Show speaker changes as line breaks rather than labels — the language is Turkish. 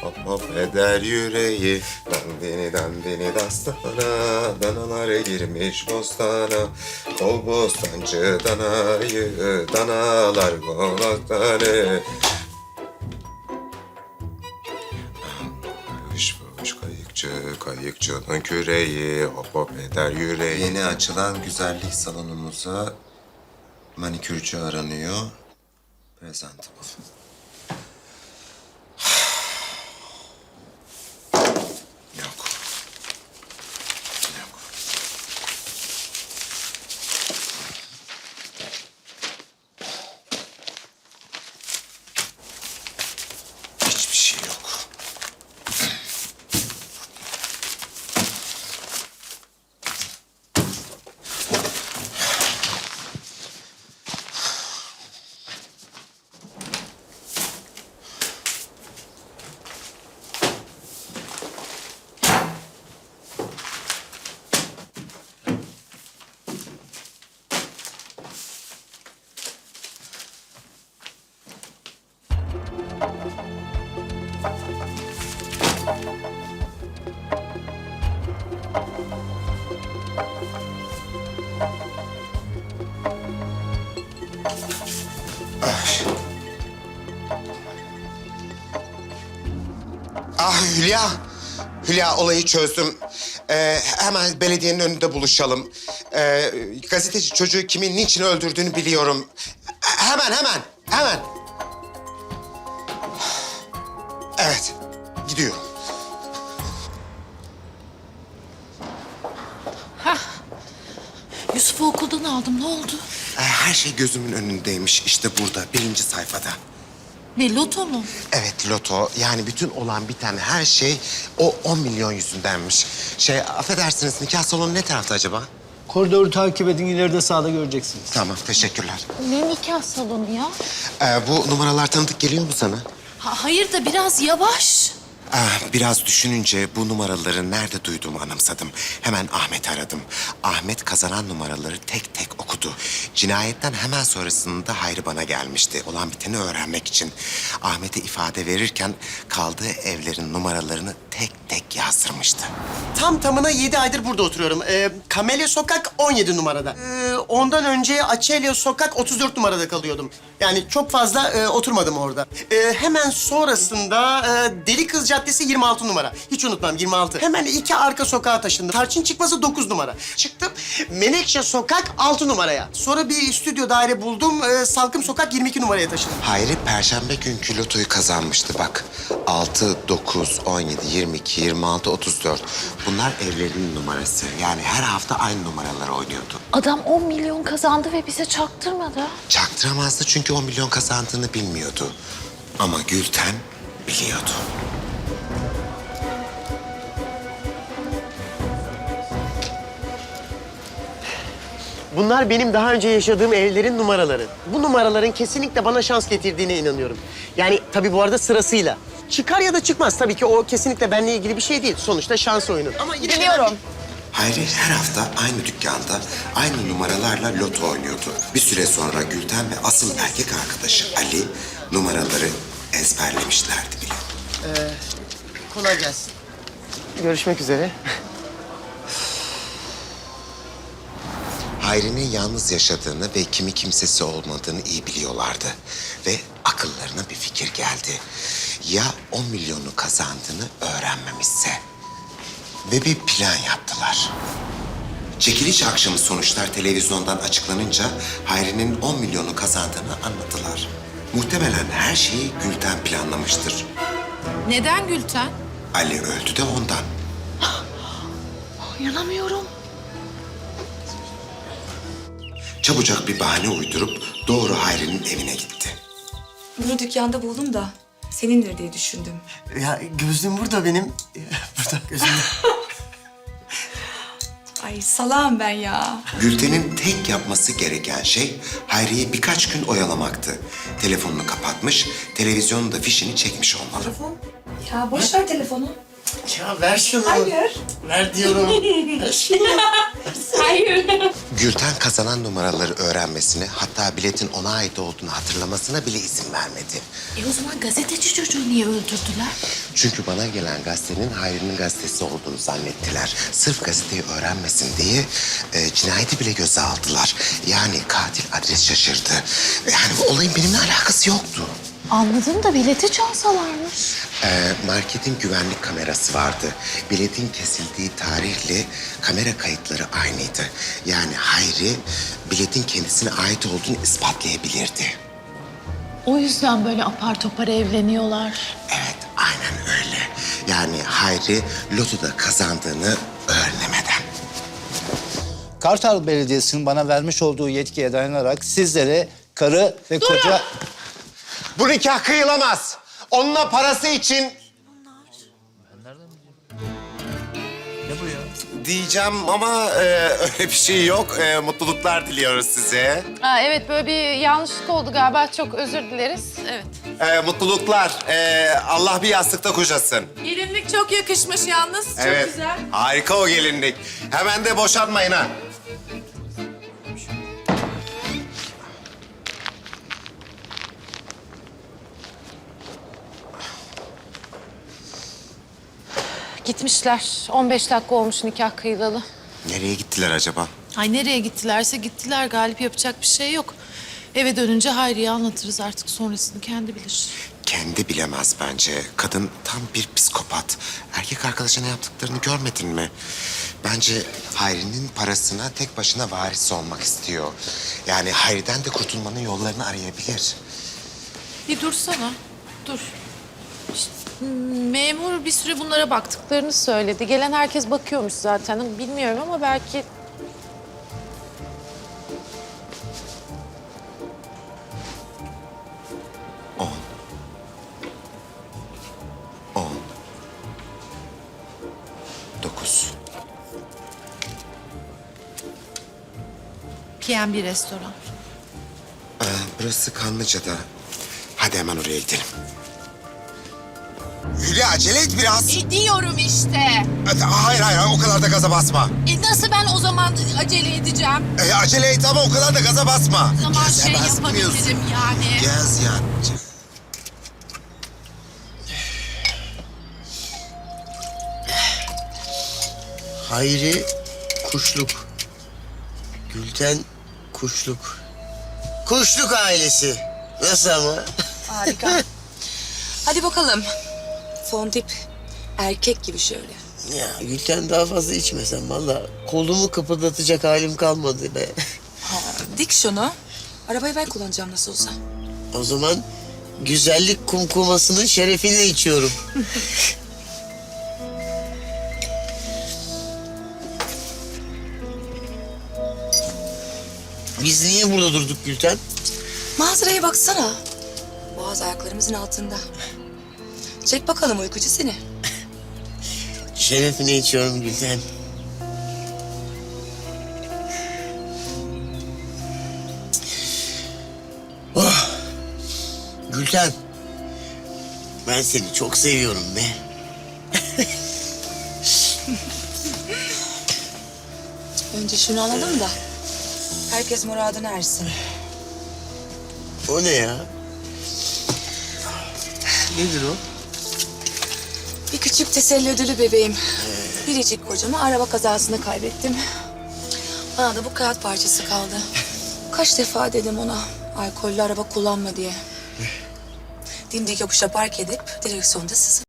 Hop hop eder yüreği. Dandini dandini dastana. Danalar girmiş bostana. Kol bostancı danayı. Danalar bostanı. Fış fış kayıkçı, kayıkçının küreği. Hop hop eder yüreği. Yeni açılan güzellik salonumuza manikürcü aranıyor. Presentable. Yok. Yok. Hiçbir şey yok. Ah Hülya. Hülya olayı çözdüm. Hemen belediyenin önünde buluşalım. Gazeteci çocuğu kimin niçin öldürdüğünü biliyorum. Hemen. Evet, gidiyor.
Yusuf'u okuldan aldım. Ne oldu?
Her şey gözümün önündeymiş. İşte burada, 1. sayfada.
Ne, loto mu?
Evet, loto. Yani bütün olan biten her şey o 10 milyon yüzündenmiş. Affedersiniz, nikah salonu ne tarafta acaba?
Koridoru takip edin, ileride sağda göreceksiniz.
Tamam, teşekkürler.
Ne nikah salonu ya?
Bu numaralar tanıdık geliyor mu sana?
Hayır da biraz yavaş.
Biraz düşününce bu numaraları nerede duyduğumu anımsadım. Hemen Ahmet'i aradım. Ahmet kazanan numaraları tek tek okudu. Cinayetten hemen sonrasında Hayri bana gelmişti. Olan biteni öğrenmek için. Ahmet'e ifade verirken kaldığı evlerin numaralarını tek tek yazdırmıştı.
Tam tamına 7 aydır burada oturuyorum. Kamelya Sokak 17 numarada. Ondan önce Açelya Sokak 34 numarada kalıyordum. Yani çok fazla oturmadım orada. Hemen sonrasında Deli Kız Caddesi 26 numara. Hiç unutmam 26. Hemen 2 arka sokağa taşındım. Tarçın Çıkması 9 numara. Çıktım Menekşe Sokak 6 numaraya. Sonra bir stüdyo daire buldum. Salkım Sokak 22 numaraya taşındım.
Hayri perşembe günkü lotoyu kazanmıştı bak. 6, 9, 17, 22, 26, 34. Bunlar evlerinin numarası. Yani her hafta aynı numaraları oynuyordu.
Adam 10 milyon kazandı ve bize çaktırmadı.
Çaktıramazdı çünkü 10 milyon kazandığını bilmiyordu. Ama Gülten biliyordu.
Bunlar benim daha önce yaşadığım evlerin numaraları. Bu numaraların kesinlikle bana şans getirdiğine inanıyorum. Yani tabii bu arada sırasıyla. Çıkar ya da çıkmaz tabii ki o kesinlikle benimle ilgili bir şey değil. Sonuçta şans oyunu. Ama yine
Biliyorum.
Hayri her hafta aynı dükkanda aynı numaralarla loto oynuyordu. Bir süre sonra Gülten ve asıl erkek arkadaşı Ali numaraları ezberlemişlerdi bile.
Kolay gelsin. Görüşmek üzere.
Hayri'nin yalnız yaşadığını ve kimi kimsesi olmadığını iyi biliyorlardı. Ve akıllarına bir fikir geldi. Ya 10 milyonu kazandığını öğrenmemişse? Ve bir plan yaptılar. Çekiliş akşamı sonuçlar televizyondan açıklanınca Hayri'nin 10 milyonu kazandığını anladılar. Muhtemelen her şeyi Gülten planlamıştır.
Neden Gülten?
Ali öldü de ondan.
İnanamıyorum.
Çabucak bir bahane uydurup doğru Hayri'nin evine gitti.
Bunu dükkanda buldum da senindir diye düşündüm.
Ya gözlüğüm burada benim. Burada gözlüğüm.
Ay salağım ben ya.
Gülten'in tek yapması gereken şey Hayri'yi birkaç gün oyalamaktı. Telefonunu kapatmış, televizyonun da fişini çekmiş olmalı.
Telefon? Ya boş ver telefonu.
Ya ver şunu.
Hayır.
Ver diyorum. Ver şunu.
Hayır.
Gülten kazanan numaraları öğrenmesine, hatta biletin ona ait olduğunu hatırlamasına bile izin vermedi.
O zaman gazeteci çocuğu niye öldürdüler?
Çünkü bana gelen gazetenin Hayri'nin gazetesi olduğunu zannettiler. Sırf gazeteyi öğrenmesin diye cinayeti bile göze aldılar. Yani katil adres şaşırdı. Yani bu olayın benimle alakası yoktu.
Anladım da bileti çalsalarmış.
Marketin güvenlik kamerası vardı. Biletin kesildiği tarihle kamera kayıtları aynıydı. Yani Hayri biletin kendisine ait olduğunu ispatlayabilirdi.
O yüzden böyle apar topar evleniyorlar.
Evet, aynen öyle. Yani Hayri lotoda kazandığını öğrenemeden.
Kartal Belediyesi'nin bana vermiş olduğu yetkiye dayanarak sizlere karı ve koca...
Bu nikah kıyılamaz. Onunla parası için...
Ne bu ya?
Diyeceğim ama öyle bir şey yok. Mutluluklar diliyoruz size.
Evet böyle bir yanlışlık oldu galiba. Çok özür dileriz. Evet.
Mutluluklar. Allah bir yastıkta kocasın.
Gelinlik çok yakışmış yalnız. Çok
Evet.
güzel.
Harika o gelinlik. Hemen de boşanmayın ha.
Gitmişler. 15 dakika olmuş nikah kıyılalı.
Nereye gittiler acaba?
Ay nereye gittilerse gittiler. Galip yapacak bir şey yok. Eve dönünce Hayri'ye anlatırız artık. Sonrasını kendi bilir.
Kendi bilemez bence. Kadın tam bir psikopat. Erkek arkadaşına yaptıklarını görmedin mi? Bence Hayri'nin parasına tek başına varis olmak istiyor. Yani Hayri'den de kurtulmanın yollarını arayabilir.
Bir dursana. Dur. İşte, memur bir süre bunlara baktıklarını söyledi. Gelen herkes bakıyormuş zaten. Bilmiyorum ama belki...
On. 9.
PM bir restoran.
Burası Kanlıca'da. Hadi hemen oraya gidelim. Hülya acele et biraz.
Ediyorum işte.
Hayır o kadar da gaza basma.
Nasıl ben o zaman acele edeceğim?
Acele et ama o kadar da gaza basma.
O zaman şey
Gezemez
yapabilirim
miyiz?
yani.
Gez yani.
Hayri Kuşluk. Gülten Kuşluk. Kuşluk ailesi. Nasıl ama?
Harika. Hadi bakalım. Fondip erkek gibi şöyle.
Ya Gülten daha fazla içmesem vallahi kolumu kıpırdatacak halim kalmadı be.
Dik şunu. Arabayı ben kullanacağım nasıl olsa.
O zaman güzellik kumkumasının şerefine içiyorum. Biz niye burada durduk Gülten?
Manzaraya baksana. Boğaz ayaklarımızın altında. Çek bakalım uykucu seni.
Şerefine içiyorum Gülten. Oh. Gülten. Ben seni çok seviyorum be.
Önce şunu alalım da. Herkes muradına ersin.
O ne ya? Nedir o?
Bir küçük teselli ödülü bebeğim. Biricik kocamı araba kazasında kaybettim. Bana da bu kağıt parçası kaldı. Kaç defa dedim ona alkollü araba kullanma diye. Dimdik yokuşa park edip direksiyonda sızıp